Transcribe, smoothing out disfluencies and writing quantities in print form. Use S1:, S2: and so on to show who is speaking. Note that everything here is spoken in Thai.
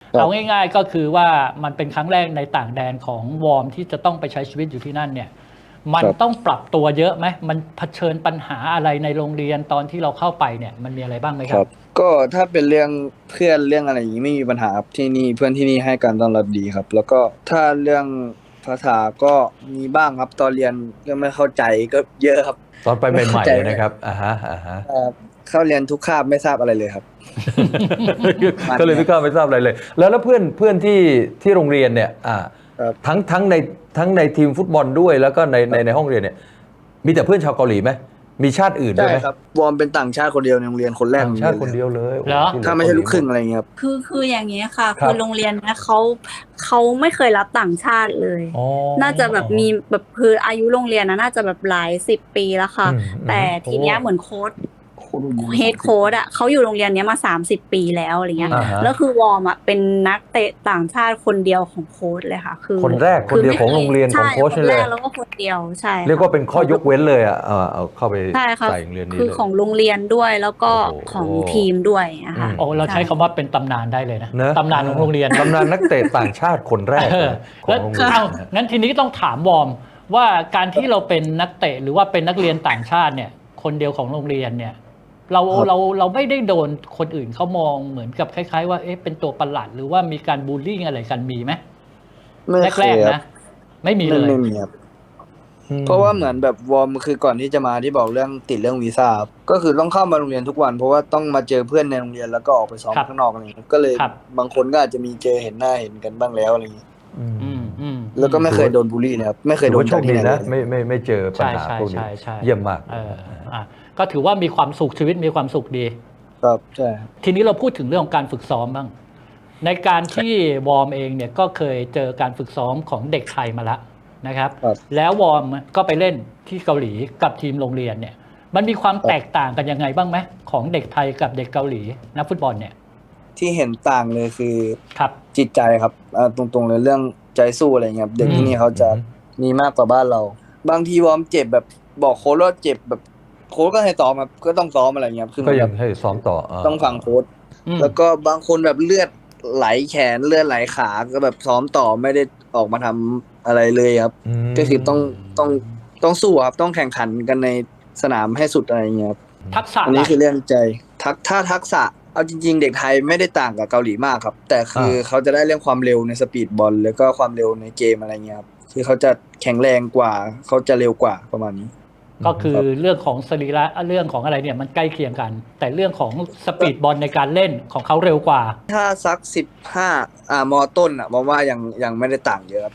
S1: เอาง่ายๆก็คือว่ามันเป็นครั้งแรกในต่างแดนของวอร์มที่จะต้องไปใช้ชีวิตอยู่ที่นั่นเนี่ยมัน
S2: ครับ
S1: ต้องปรับตัวเยอะไหมมันเผชิญปัญหาอะไรในโรงเรียนตอนที่เราเข้าไปเนี่ยมันมีอะไรบ้างไหมครับ
S2: ครับก็ถ้าเป็นเรื่องเพื่อนเรื่องอะไรอย่างนี้ไม่มีปัญหาครับที่นี่เพื่อนที่นี่ให้การต้อนรับดีครับแล้วก็ถ้าเรื่องภาษาก็มีบ้างครับตอนเรียนก็ไม่เข้าใจก็เยอะครับ
S3: ตอนไป
S2: ไม่เข้า
S3: ใหม่
S2: ใจ
S3: ๆนะครับอ่าฮะ
S2: เข้าเรียนทุกคาบไม่ทราบอะไรเลยครับมัน
S3: ก็เลย
S2: เนี่ย
S3: ไม่กล้าไม่ทราบอะไรเลยแล้วเพื่อนที่โรงเรียนเนี่ย
S2: ครับ
S3: ทั้งในทีมฟุตบอลด้วยแล้วก็ในห้องเรียนเนี่ยมีแต่เพื่อนชาวเกาหลีไหมมีชาติอื่นด้
S2: ใช่
S3: วยไหม
S2: ครับวอร์มเป็นต่างชาติคนเดียวในโรงเรียนคนแรก
S3: ต่างชาติคน
S2: โรงเรียนเลย
S3: เดียวเลย
S1: เหรอ
S3: โอ้ที่เหลื
S2: ถ้า
S3: อเกาหลีหมด
S2: ไม่ใช่ลูกครึ่งอะไรอย่างเงี้ยครับ
S4: คืออย่างเงี้ยค่ะ
S3: ครับ
S4: คือโรงเรียนนะเขาไม่เคยรับต่างชาติเลย
S3: อ๋อ
S4: น่าจะแบบมีแบบคืออายุโรงเรียนนะน่าจะแบบหลายสิบปีแล้วค่ะแต่
S3: โอ้
S4: ทีเนี้ยเหมือนโค้ช
S2: โคตรดี
S4: เฮดโค้ชอ่ะเขาอยู่โรงเรียนเนี้ยมา30 ปีแล้วอะไรเงี้ย
S3: อ่าฮะ
S4: แล้วคือวอร์มอ่ะเป็นนักเตะต่างชาติคนเดียวของโค้ชเลยค่ะคือ
S3: คนแรกคนเดียวของโรงเรียนของโค้ช
S4: คน
S3: นี่เลย
S4: แรกแล้วก็คนเดียวใช่
S3: เรียก
S4: ค่ะ
S3: ว่าเป็นข้อยกเว้นเลยเอาเข้าไป
S4: ใช่ค่ะ
S3: ใส่โรงเรียนนี้
S4: คือ
S3: เลย
S4: ของโรงเรียนด้วยแล้วก็
S3: โอ้โห
S4: ของทีมด้วยนะคะ
S1: โอ้เราใช้
S4: ใช่
S1: คำว่าเป็นตำนานได้เลยนะ
S3: เนอะ
S1: ตำนานของโรงเรียน
S3: ตำนานนักเตะต่างชาติคนแรก
S1: เอ
S3: เล
S1: อย
S3: ขอ
S1: แล้ว
S3: งโรงเรียน
S1: เอา
S3: นะฮะ
S1: งั้นทีนี้ต้องถามวอร์มว่าการที่เราเป็นนักเตะหรือว่าเป็นนักเรียนต่างชาติเนี่ยคนเดียวของโรงเรียนเนี่ยเรา
S2: ครับ
S1: เราไม่ได้โดนคนอื่นเขามองเหมือนกับคล้ายๆว่าเอ๊ะเป็นตัวประหลาดหรือว่ามีการบูลลี่อะไรกันมีไหม
S2: ไม่เค
S1: แรกๆ
S2: ยครับ
S1: นะไม่มี
S2: ไม่
S1: เลย
S2: ไม่มีครับ เพราะว่าเหมือนแบบวอร์มคือก่อนที่จะมาที่บอกเรื่องติดเรื่องวีซ่าครับก็คือต้องเข้ามาโรงเรียนทุกวันเพราะว่าต้องมาเจอเพื่อนในโรงเรียนแล้วก็ออกไปซ้อม
S1: ครับ
S2: ข้างนอกอะไรอย่างเงี้ยก็เลย
S1: ครับ
S2: บางคนก็อาจจะมีเจอเห็นหน้าเห็นกันบ้างแล้วอะไรอย่างเงี้ย
S3: อืม
S2: แล้วก็ไม่เคยโดนบูลลี่นะครับไม่เคย
S3: ถือว่าโชค
S2: โดนจากที่
S3: ดีนะ
S2: ไหนเลย
S3: ไม่เจอปัญ
S1: ใช่
S3: หา
S1: ใช่
S3: พวกนี้
S1: ใช่ใช่
S3: เยี่ยมมาก
S1: อ่ะก็ถือว่ามีความสุขชีวิตมีความสุขดี
S2: ครับใช่ครับ
S1: ทีนี้เราพูดถึงเรื่องของการฝึกซ้อมบ้างในการที่วอร์มเองเนี่ยก็เคยเจอการฝึกซ้อมของเด็กไทยมาแล้วนะครับ
S2: ครับ
S1: แล้ววอร์มก็ไปเล่นที่เกาหลีกับทีมโรงเรียนเนี่ยมันมีความแตกต่างกันยังไงบ้างไหมของเด็กไทยกับเด็กเกาหลีนักฟุตบอลเนี่ย
S2: ที่เห็นต่างเลยคือ
S1: ครับ
S2: จิตใจครับตรงๆเลยเรื่องใจสู้อะไรเงี้ยครับเด็กที่นี่เขาจะมีมากกว่าบ้านเราบางทีวอร์มเจ็บแบบบอกโค้ชว่าเจ็บแบบโค้ชก็ให้ซ้อมครับก็ต้องซ้อมอะไรเงี้ยครับคือ
S3: ก็ยั
S2: แบบ
S3: งให้ซ้อมต่อ
S2: ต้องฟังโค้ช
S1: อืม
S2: แล้วก็บางคนแบบเลือดไหลแขนเลือดไหลขาก็แบบซ้อมต่อไม่ได้ออกมาทำอะไรเลยครับ
S3: ม
S2: ก็คือต้องต้องสู้ครับต้องแข่งขันกันในสนามให้สุดอะไรอย่างเงี้ยครับ
S1: ทักษะ
S2: อันนี้
S1: ล่ะ
S2: คือเรื่องใจถ้าทักษะเอาจริงๆเด็กไทยไม่ได้ต่างกับเกาหลีมากครับแต่คือเขาจะได้เรื่องความเร็วในสปีดบอลแล้วก็ความเร็วในเกมอะไรเงี้ยครับคือเขาจะแข็งแรงกว่าเขาจะเร็วกว่าประมาณนี้
S1: ก็คือเรื่องของสรีระเรื่องของอะไรเนี่ยมันใกล้เคียงกัน แต่เรื่องของสปีดบอลในการเล่นของเขาเร็วกว่า
S2: ถ้าสัก15มอต้นอ่ะมองว่ายังไม่ได้ต่างเยอะครับ